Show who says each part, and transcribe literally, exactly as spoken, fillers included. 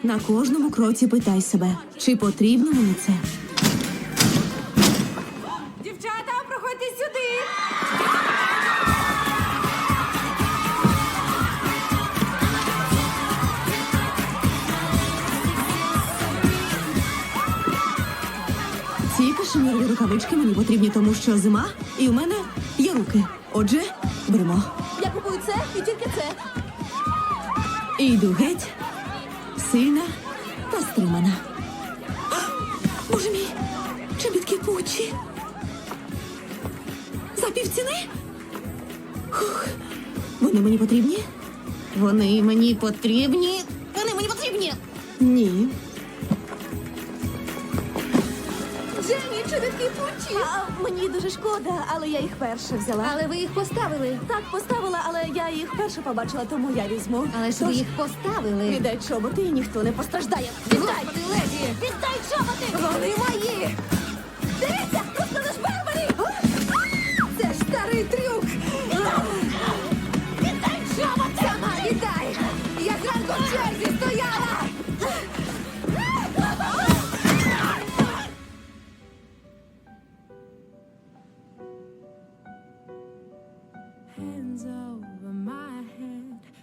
Speaker 1: На кожному кроці питай себе, чи потрібно мені це?
Speaker 2: Дівчата, проходьте сюди.
Speaker 1: Ці кашемірові рукавички мені потрібні, тому що зима, і у мене є руки. Отже, беремо.
Speaker 2: Я купую це і тільки це.
Speaker 1: І йду геть, сильна та стримана. А! Боже мій, чобітки Пуччі. За півціни? Хух. Вони мені потрібні? Вони мені потрібні? Вони мені потрібні? Ні.
Speaker 2: Дженні, чобітки Пуччі. А, мені дуже шкода, але я їх перше взяла.
Speaker 3: Але ви їх поставили.
Speaker 2: Так, поставила, але я їх перше побачила, тому я візьму.
Speaker 3: Але ж ви
Speaker 2: Тож,
Speaker 3: їх поставили.
Speaker 2: віддай чоботи і ніхто не постраждає. Віддай!
Speaker 3: Господи, леді!
Speaker 2: Віддай чоботи! Вони мої! Дивіться, розкажеш Барбарі! Це ж старий трюк! Віддай чоботи! Сама віддай! Я зранку в черзі стояла!